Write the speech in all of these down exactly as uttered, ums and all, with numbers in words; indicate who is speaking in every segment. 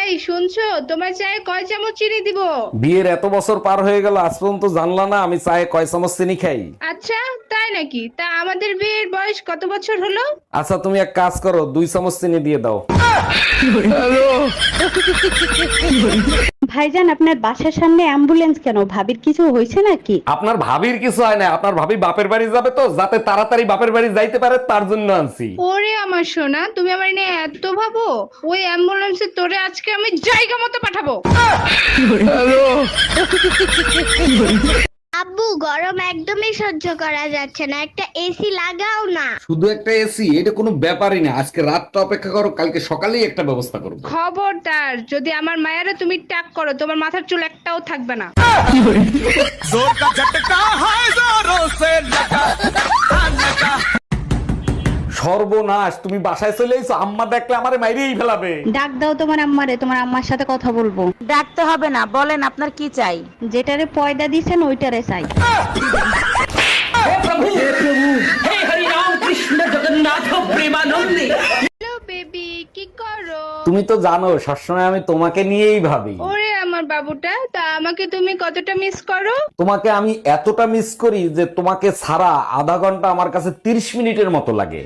Speaker 1: এই শুনছো, তোমার চায়ে কয় চামচ চিনি দিব?
Speaker 2: বিয়ের এত বছর পার হয়ে গেল, আজ পর্যন্ত জানলা না আমি চায়ে কয় চামচ চিনি খাই?
Speaker 1: আচ্ছা, তাই নাকি? তা আমাদের বিয়ের বয়স কত বছর হলো?
Speaker 2: আচ্ছা তুমি এক কাজ করো, দুই চামচ চিনি দিয়ে দাও।
Speaker 3: ভাইজান, আপনার বাসার সামনে অ্যাম্বুলেন্স কেন? ভাবির কিছু হয়েছে নাকি?
Speaker 2: আপনার ভাবির কিছু হয় না, আপনার ভাবি বাপের বাড়ি যাবে তো, যাতে তাড়াতাড়ি বাপের বাড়ি যাইতে পারে তার জন্য আনছি।
Speaker 1: ওরে আমার সোনা, তুমি আমার নিয়ে এত ভাবো? ওই অ্যাম্বুলেন্সে তোরে আজকে আমি জায়গা মতো পাঠাবো।
Speaker 4: আব্বু, গরম একদমই সহ্য করা যাচ্ছে না, একটা এসি লাগাও না।
Speaker 2: শুধু একটা এসি? এটা কোনো ব্যাপারই না, আজকে রাতটা অপেক্ষা করো, কালকে সকালেই একটা ব্যবস্থা করবো।
Speaker 1: খবরদার, যদি আমার মায়েরা তুমি টাক করো, তোমার মাথার চুল একটাও থাকবে না।
Speaker 2: সর্বনাশ, তুমি বাসায় চলে এসো, আম্মা দেখলে আমারে মাইরেই ফেলাবে।
Speaker 3: ডাক দাও তোমার আম্মারে, তোমার আম্মার সাথে কথা বলবো।
Speaker 5: ডাকতে হবে না, বলেন আপনার কি চাই।
Speaker 3: যেটারে পয়দা দিছেন ওইটারে চাই।
Speaker 1: হ্যালো বেবি, কি করো?
Speaker 2: তুমি তো জানো সবসময় আমি তোমাকে নিয়েই ভাবি।
Speaker 1: ওরে আমার বাবুটা, তা আমাকে তুমি কতটা মিস করো?
Speaker 2: তোমাকে আমি এতটা মিস করি যে তোমাকে ছাড়া আধা ঘন্টা আমার কাছে তিরিশ মিনিটের মতো লাগে।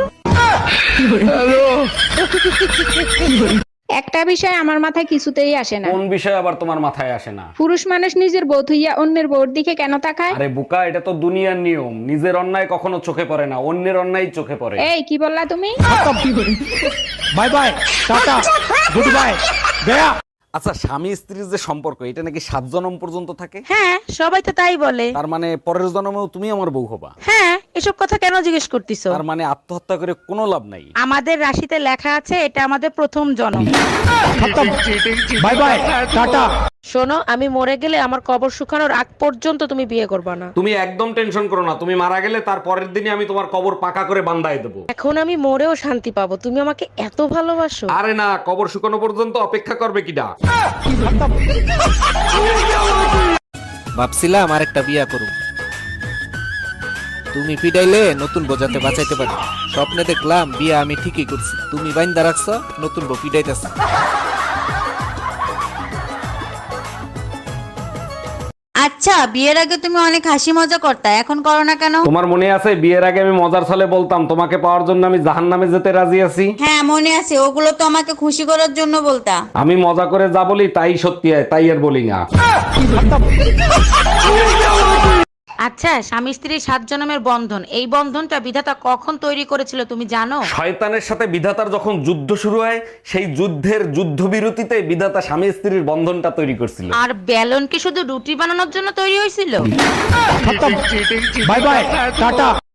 Speaker 6: একটা বিষয় আমার মাথায় কিছুতেই আসে না।
Speaker 2: কোন বিষয় আবার তোমার মাথায় আসে না?
Speaker 6: পুরুষ মানুষ নিজের বউ থইয়া অন্যের বউর দিকে কেন তাকায়?
Speaker 2: আরে বোকা, এটা তো দুনিয়ার নিয়ম, নিজের অন্যায় কখনো চোখে পড়ে না, অন্যের অন্যায় চোখে পড়ে।
Speaker 6: এই কি বললা তুমি?
Speaker 2: Bye bye, tata, good bye, গয়া। আচ্ছা, স্বামী স্ত্রীর যে সম্পর্ক, এটা নাকি সাত জন্ম পর্যন্ত থাকে?
Speaker 5: হ্যাঁ, সবাই তো তাই বলে।
Speaker 2: তার মানে পরের জন্মেও তুমি আমার বউ হবা?
Speaker 5: হ্যাঁ, এসব কথা কেন জিজ্ঞেস করতেছো?
Speaker 2: তার মানে আত্মহত্যা করে কোনো লাভ নাই?
Speaker 5: আমাদের রাশিতে লেখা আছে এটা আমাদের প্রথম জন্ম।
Speaker 2: Bye bye, tata.
Speaker 5: শোনো, আমি মরে গেলে আমার কবর শুকানোর আগ পর্যন্ত তুমি বিয়ে করবে না।
Speaker 2: তুমি একদম টেনশন করো না, তুমি মারা গেলে তার পরের দিনই আমি তোমার কবর পাকা করে বান্ধায় দেবো।
Speaker 5: এখন আমি মরেও শান্তি পাবো, তুমি আমাকে এত ভালোবাসো।
Speaker 2: আরে না, কবর শুকানো পর্যন্ত অপেক্ষা করবে কিডা?
Speaker 7: ভাবছিলাম আরেকটা বিয়া করুম, তুমি পিটাইলে নতুন বোঝাতে বাঁচাইতে পারি। স্বপ্নে দেখলাম বিয়া আমি ঠিকই করছি, তুমি বাইন্দা রাখছ, নতুন বউ পিটাইতেছে।
Speaker 8: আচ্ছা, বিয়ের আগে তুমি অনেক হাসি মজা করতা, এখন করো না কেন?
Speaker 2: তোমার মনে আছে বিয়ের আগে আমি মজার ছলে বলতাম তোমাকে পাওয়ার জন্য আমি জাহান্নামে যেতে রাজি আছি?
Speaker 8: হ্যাঁ মনে আছে, ওগুলো তো আমাকে খুশি করার জন্য বলতা।
Speaker 2: আমি মজা করে যা বলি তাই সত্যি হয়, তাই আর বলি না।
Speaker 5: আচ্ছা, স্বামী স্ত্রীর সাত জন্মের বন্ধন, এই বন্ধনটা বিধাতা কখন তৈরি করেছিল তুমি জানো?
Speaker 2: শয়তানের সাথে বিধাতার যখন যুদ্ধ শুরু হয়, সেই যুদ্ধের যুদ্ধবিরতিতে বিধাতা স্বামী স্ত্রীর বন্ধনটা তৈরি করছিল।
Speaker 5: আর বেলন কি শুধু রুটি বানানোর জন্য তৈরি হয়েছিল?
Speaker 2: Bye bye, tata.